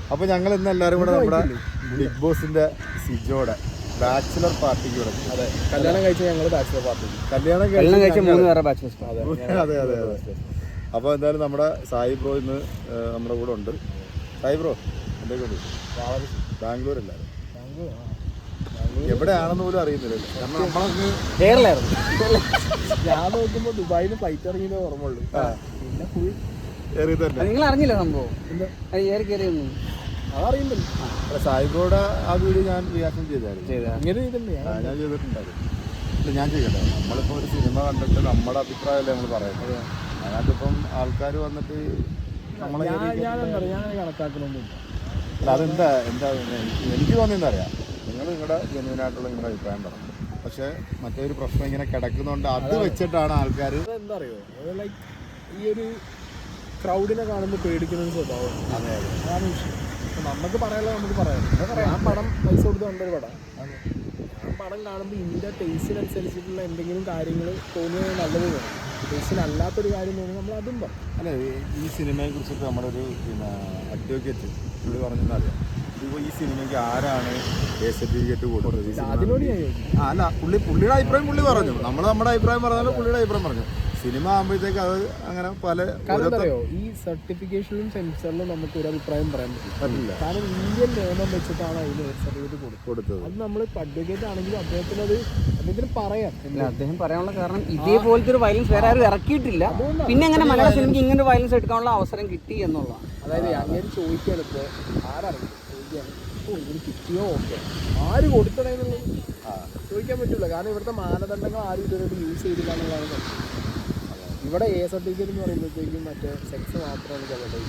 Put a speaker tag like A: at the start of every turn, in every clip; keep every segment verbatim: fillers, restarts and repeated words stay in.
A: അപ്പോൾ ഞങ്ങൾ ഇന്ന് എല്ലാവരും കൂടെ നമ്മുടെ ബിഗ് ബോസിന്റെ സിജോയുടെ ബാച്ചിലർ പാർട്ടിക്ക് കൂടെ.
B: അതെ, കല്യാണം കഴിച്ച ഞങ്ങൾ ബാച്ചിലർ പാർട്ടി.
A: കല്യാണം കഴിച്ച മൂന്ന് പേരെ ബാച്ചിലർ. അതെ അതെ അതെ അതെ. അപ്പോൾ എന്തായാലും നമ്മുടെ സായി ബ്രോ ഇന്ന് നമ്മുടെ കൂടെ ഉണ്ട്. സായി ബ്രോ എന്തൊക്കെയുണ്ട്? ബാംഗ്ലൂരല്ലായിരുന്നു, എവിടെയാണെന്ന് പോലും അറിയുന്നില്ലല്ലോ. കാരണം നമ്മളൊന്ന്
B: കേരളമായിരുന്നു. ഞാൻ നോക്കുമ്പോൾ ദുബായിൽ ഫ്ലൈറ്റ് ഇറങ്ങിയതേ ഓർമ്മയുള്ളൂ. പിന്നെ ഫുൾ
A: ഏറി തന്നെ.
C: നിങ്ങൾ അറിഞ്ഞില്ല സംഭവം? ഏറി കയറിയൊന്നും
B: അതറിയുന്നില്ല.
A: അല്ല, സായിബ്രോയുടെ ആ വീഡിയോ ഞാൻ റിയാക്ഷൻ ചെയ്തായിരുന്നു.
B: ഇങ്ങനെ ചെയ്തിട്ടുണ്ട്,
A: ഞാൻ ചെയ്തിട്ടുണ്ടായിരുന്നു. ഇല്ല, ഞാൻ ചെയ്യട്ടെ. നമ്മളിപ്പോൾ ഒരു സിനിമ കണ്ടിട്ട് നമ്മുടെ അഭിപ്രായമല്ലേ നമ്മൾ പറയുന്നത്. അതിനകത്തിപ്പം ആൾക്കാർ വന്നിട്ട് നമ്മളെ
B: ഞാൻ കണക്കാക്കണമൊന്നുമില്ല.
A: അല്ല, അതെന്താ എന്താ എനിക്ക് തോന്നിയെന്ന് അറിയാം. നിങ്ങൾ നിങ്ങളുടെ ജെന്യൂനായിട്ടുള്ള നിങ്ങളുടെ അഭിപ്രായം പറഞ്ഞു. പക്ഷേ മറ്റേ ഒരു പ്രശ്നം ഇങ്ങനെ കിടക്കുന്നതുകൊണ്ട് അത് വെച്ചിട്ടാണ് ആൾക്കാർ.
B: എന്താ അറിയോ, ലൈക്ക് ഈ ഒരു ക്രൗഡിനെ കാണുമ്പോൾ പേടിക്കുന്ന ഒരു സ്വഭാവം.
A: അതെ അതെ,
B: അതാണ് വിഷയം. നമുക്ക് പറയാനുള്ളത് നമുക്ക് പറയാം. ഞാൻ പടം പൈസ കൊടുത്ത് കണ്ടൊരു പടം. ഞാൻ പടം കാണുമ്പോൾ ഇതിൻ്റെ ടേസ്റ്റിനനുസരിച്ചിട്ടുള്ള എന്തെങ്കിലും കാര്യങ്ങൾ തോന്നിയത് നല്ലത് വേണം. ടേസ്റ്റിനല്ലാത്തൊരു കാര്യം തോന്നി നമ്മൾ അതും പറയും.
A: അല്ല, ഈ സിനിമയെ കുറിച്ചിട്ട് നമ്മുടെ ഒരു പിന്നെ അഡ്വക്കേറ്റ് പുള്ളി പറഞ്ഞെന്നറിയാം. ഇപ്പോൾ ഈ സിനിമയ്ക്ക് ആരാണ് എ സർട്ടിഫിക്കറ്റ് കൊടുത്തത്?
B: അതിനോട് ഞാൻ ചോദിച്ചു.
A: അല്ല, പുള്ളി പുള്ളിയുടെ അഭിപ്രായം പുള്ളി പറഞ്ഞു. നമ്മൾ നമ്മുടെ അഭിപ്രായം പറഞ്ഞാലും പുള്ളിയുടെ അഭിപ്രായം പറഞ്ഞു. സിനിമ ആകുമ്പോഴത്തേക്ക് അത് അങ്ങനെ പല
B: അറിയോ, ഈ സർട്ടിഫിക്കേഷനിലും സെൻസറിലും നമുക്ക് ഒരു അഭിപ്രായം പറയാൻ പറ്റില്ല. കാരണം ഇന്ത്യൻ നിയമം വെച്ചിട്ടാണ് അതിന് സർട്ടിഫിക്കറ്റ് കൊടുത്തത്. അത് നമ്മൾ അഡ്വക്കേറ്റ് ആണെങ്കിലും അദ്ദേഹത്തിന് അത് അദ്ദേഹത്തിന് പറയാം.
C: അദ്ദേഹം പറയാനുള്ള കാരണം ഇതേപോലത്തെ ഒരു വയലൻസ് വേറെ ആരും ഇറക്കിയിട്ടില്ല. പിന്നെ എങ്ങനെ മലയാള സിനിമയ്ക്ക് ഇങ്ങനെ ഒരു വയലൻസ് എടുക്കാനുള്ള അവസരം കിട്ടി എന്നുള്ളതാണ്.
B: അതായത് അങ്ങനെ ചോദിക്കുകയാണ്, ഇപ്പോൾ ആരറിയും ചോദിക്കുകയാണ്, ഓ ഇതിന് കിട്ടിയോ, ഓക്കെ ആര് കൊടുക്കണമെന്നുള്ളത് ചോദിക്കാൻ പറ്റില്ല. കാരണം ഇവിടുത്തെ മാനദണ്ഡങ്ങൾ ആരും ഇതുവരെ യൂസ് ചെയ്തില്ല എന്നുള്ളതാണ് പ്രശ്നം. ഇവിടെ എ സർട്ടിഫിക്കറ്റ് എന്ന് പറയുമ്പോഴത്തേക്കും മറ്റേ സെക്സ് മാത്രമാണ്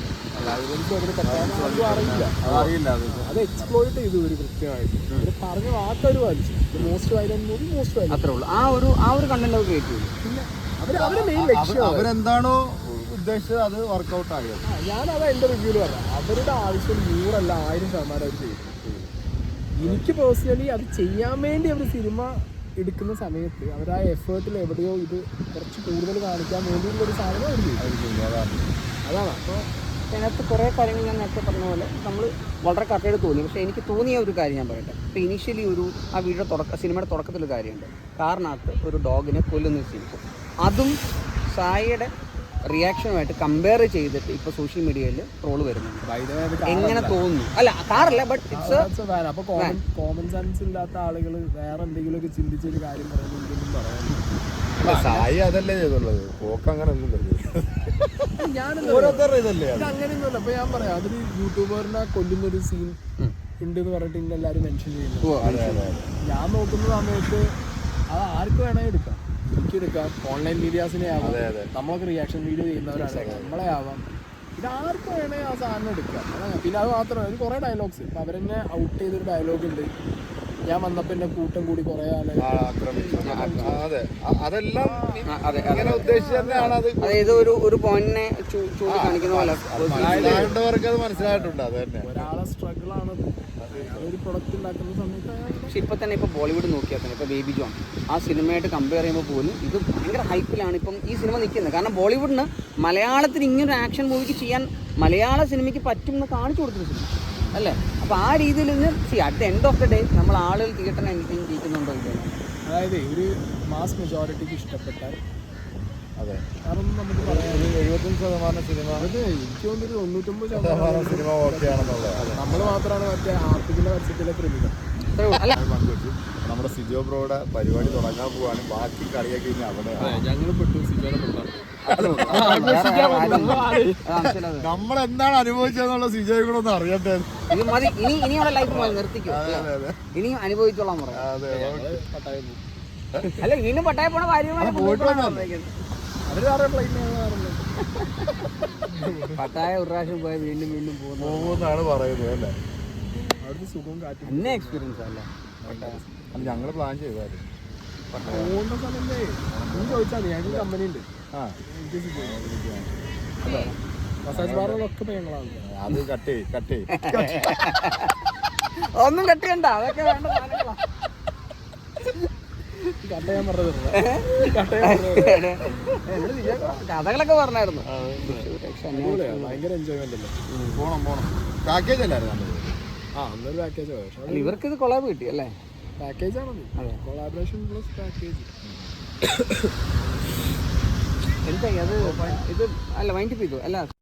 B: അറിയില്ല. അത് എക്സ്പ്ലോയിറ്റ് ചെയ്തു ഒരു കൃത്യമായിട്ട്. ഇത് പറഞ്ഞ വാക്കൊരു വലിച്ചു most violent movie most violent
C: അത്രേ ഉള്ളൂ. ആ ഒരു ആ ഒരു കണ്ടന്റ് അവർ ക്രിയേറ്റ് ചെയ്തു.
B: പിന്നെ അവർ അവരുടെ മെയിൻ ലക്ഷ്യം
A: അവരെന്താണോ ഉദ്ദേശിച്ചത് അത് വർക്കൗട്ട് ആയത്.
B: ഞാനതാ എൻ്റെ റിവ്യൂല് പറയാം. അവരുടെ ആവശ്യം നൂറല്ല ആയിരം ശതമാനം അവർ ചെയ്തു. എനിക്ക് പേഴ്സണലി അത് ചെയ്യാൻ വേണ്ടി അവർ സിനിമ എടുക്കുന്ന സമയത്ത് അവർ ആ എഫേർട്ടിൽ എവിടെയോ ഇത് കുറച്ച് കൂടുതൽ കാണിക്കാൻ വേണ്ടിയുള്ളൊരു സാധനം അവർ ചെയ്യും. അതാണ്. അപ്പോൾ
C: അതിനകത്ത് കുറേ കാര്യങ്ങൾ ഞാൻ നേരത്തെ പറഞ്ഞ പോലെ നമ്മൾ വളരെ കറക്റ്റായിട്ട് തോന്നി. പക്ഷേ എനിക്ക് തോന്നിയ ഒരു കാര്യം ഞാൻ പറയട്ടെ. ഇപ്പോൾ ഇനീഷ്യലി ഒരു ആ വീഡിയോ തുടക്ക സിനിമയുടെ തുടക്കത്തിലൊരു കാര്യമുണ്ട്. കാറിനകത്ത് ഒരു ഡോഗിനെ കൊല്ലുന്ന സീൻ. അതും സായിയുടെ റിയാക്ഷനുമായിട്ട് കമ്പയർ ചെയ്തിട്ട് ഇപ്പോൾ സോഷ്യൽ മീഡിയയിൽ ട്രോള് വരുന്നുണ്ട്. എങ്ങനെ തോന്നുന്നു? അല്ല, കാറല്ല, ബട്ട് ഇറ്റ്സ്
B: അപ്പോൾ കോമൺ കോമൺ സെൻസ് ഇല്ലാത്ത ആളുകൾ വേറെ എന്തെങ്കിലുമൊക്കെ ചിന്തിച്ചൊരു കാര്യം പറയുന്നുണ്ടെന്നും പറയാൻ.
A: സായി അതല്ലേ ചെയ്തുള്ളത്, പോക്ക് അങ്ങനെ
B: ഞാനെന്താ അങ്ങനെയൊന്നുമല്ല. അപ്പോൾ ഞാൻ പറയാം, അതൊരു യൂട്യൂബറിനെ കൊല്ലുന്നൊരു സീൻ ഉണ്ട് എന്ന് പറഞ്ഞിട്ട് ഇന്ന് എല്ലാവരും മെൻഷൻ ചെയ്യുന്നു. ഞാൻ നോക്കുന്ന സമയത്ത് അത് ആർക്ക് വേണമെങ്കിൽ എടുക്കാം. എനിക്കെടുക്കാം, ഓൺലൈൻ മീഡിയാസിനെ ആവാം, നമ്മളൊക്കെ റിയാക്ഷൻ വീഡിയോ ചെയ്യുന്നവരാണ്, നമ്മളെ ആവാം. ഇത് ആർക്കും വേണമെങ്കിൽ ആ സാധനം എടുക്കാം. പിന്നെ അത് മാത്രമല്ല, ഒരു കുറേ ഡയലോഗ്സ് ഇപ്പം അവരെന്നെ ഔട്ട് ചെയ്തൊരു ഡയലോഗ് ഉണ്ട്. ഞാൻ വന്നപ്പോൾ എൻ്റെ കൂട്ടം കൂടി കുറേ ആളെ
C: അതായത് ഒരു ഒരു പോയിന്റിനെ ചൂണ്ടിക്കാണിക്കുന്ന പോലെ
A: മനസ്സിലായിട്ടുണ്ട്. അത് തന്നെ
B: ഒരാളെ സ്ട്രഗിളാണത്. ഒരു പ്രൊഡക്റ്റ് ഉണ്ടാക്കുന്ന സമയത്ത്.
C: പക്ഷെ ഇപ്പം തന്നെ ഇപ്പോൾ ബോളിവുഡ് നോക്കിയാൽ തന്നെ ഇപ്പോൾ ബേബി ജോൺ ആ സിനിമയായിട്ട് കമ്പയർ ചെയ്യുമ്പോൾ പോലും ഇത് ഭയങ്കര ഹൈപ്പിലാണ് ഇപ്പം ഈ സിനിമ നിൽക്കുന്നത്. കാരണം ബോളിവുഡിന് മലയാളത്തിൽ ഇങ്ങനൊരു ആക്ഷൻ മൂവിക്ക് ചെയ്യാൻ മലയാള സിനിമയ്ക്ക് പറ്റും എന്ന് കാണിച്ചു കൊടുത്തൊരു സിനിമ അല്ലേ? അപ്പോൾ ആ രീതിയിൽ നിന്ന് see at the end of the day നമ്മൾ ആളുകൾ തിയേറ്ററിന് എനിക്കും ജയിക്കുന്നുണ്ടോ ഇല്ല.
B: അതായത് ഒരു മാസ് മെജോറിറ്റിക്ക് ഇഷ്ടപ്പെട്ടാൽ
A: അതെ,
B: കാരണം നമുക്ക് പറയാം
A: ഒരു എഴുപത്തഞ്ച് ശതമാനം സിനിമ,
B: അത് എനിക്ക് തോന്നുന്നൊരു തൊണ്ണൂറ്റൊമ്പത് ശതമാനം
A: സിനിമ ഓക്കെ ആണെന്നുള്ളത്.
B: നമ്മൾ മാത്രമാണ് മറ്റേ ആർട്ടിക്കിൻ്റെ പരസ്യത്തിലെ ക്രിമികൾ.
A: നമ്മുടെ സിജോ ബ്രോയുടെ പരിപാടി തുടങ്ങാൻ പോവാണ്. ബാക്കി കളിയൊക്കെ ഇനി അവിടെ
B: ഞങ്ങൾ പെട്ടു സിജോനെ പെട്ടാണ്.
A: നമ്മൾ എന്താണ് അനുഭവിച്ചതെന്നുള്ള സിജോയെ കൂടെ ഒന്ന് അറിയട്ടെ.
C: ഇത് മതി, ഇനി ഇനിയുള്ള ലൈഫ് നിർത്തിക്കും, ഇനിയും അനുഭവിച്ചോളാൻ പറയാം.
B: പട്ടായ പോകും.
C: അല്ല, വീണ്ടും പട്ടായ പോണ കാര്യമാണ്. പട്ടായ ഒരു പ്രാവശ്യം പോയാൽ വീണ്ടും വീണ്ടും
A: പോകുമെന്നാണ് പറയുന്നത് അല്ലേ?
B: അവിടുത്തെ സുഖവും കാറ്റും
C: എന്നെ എക്സ്പീരിയൻസ് അല്ല.
A: അല്ല, ഞങ്ങൾ പ്ലാൻ ചെയ്തായിരുന്നു
B: പോകുന്ന സമയത്തേ നീ ചോദിച്ചാൽ മതി. ഞങ്ങൾക്ക് കമ്പനി ഉണ്ട്.
A: ആ,
B: മസാജ് ബാറുകളൊക്കെ ഇപ്പോൾ ഞങ്ങളാണ്.
A: അത് കട്ട് കട്ട്
C: ഒന്നും കട്ട് ചെയ്യണ്ട, അതൊക്കെ വേണ്ട സാധനങ്ങളാ.
B: കട്ടയാൻ പറഞ്ഞത്
C: കഥകളൊക്കെ പറഞ്ഞായിരുന്നു.
B: ഭയങ്കര എൻജോയ്മെന്റ് അല്ലേ?
A: പോണം പോണം പാക്കേജ് അല്ലായിരുന്നു നല്ലത്.
B: ആ അന്നൊരു പാക്കേജ് പക്ഷേ
C: അല്ല ഇവർക്ക് ഇത് കൊളാബ് കിട്ടി അല്ലേ?
B: പാക്കേജ് ആണത്.
C: അതെ.
B: Collaboration plus package.
C: എന്തായി അത് ഇത് അല്ല വൈൻഡപ്പ് ചെയ്തു അല്ല